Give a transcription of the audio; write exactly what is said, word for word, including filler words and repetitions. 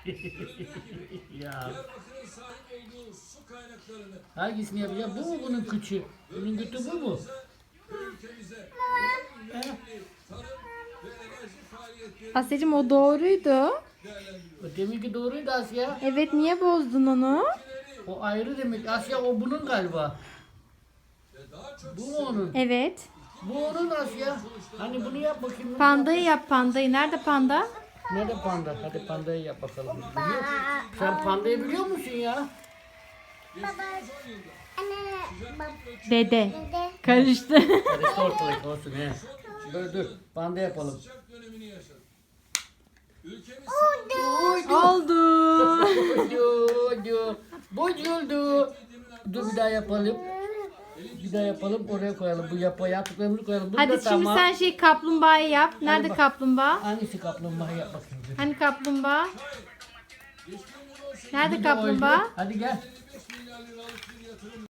Ya. Diyarbakır'ın sahip olduğu su kaynaklarını Hangisini yapacağım? Bu mu bunun küçüğü? Bunun kütü bu mu? ve ülkemize He? tarım ve enerji faaliyetleri Asya'cığım o doğruydu. değerlendiriyor. O deminki doğruydu Asya. Evet, niye bozdun onu? O ayrı demek. Asya o bunun galiba. Ve daha çok Bu mu onun? Evet. Bu onun Asya. Hani bunu yap bakayım. Pandayı yap, pandayı. Nerede panda? Nerede panda? Hadi pandayı yap bakalım. Biliyor musun? Sen pandayı biliyor musun ya? Dede. Karıştı. Karıştı ortalık olsun he. Dur dur. Panda yapalım. sıcak dönemini yaşadık. Ülkemiz Oldu. Bozuldu. Bozuldu. Dur bir daha yapalım. Bir daha yapalım. Oraya koyalım. Bu yapa yaptıklarımızı koyalım. Bunu Hadi da şimdi tamam. sen şey kaplumbağayı yap. Nerede bak. kaplumbağa? Hangisi kaplumbağa yap bakayım. Hani kaplumbağa? Nerede Bir de oydu. kaplumbağa? Hadi gel. beş milyar liralık bir yatırım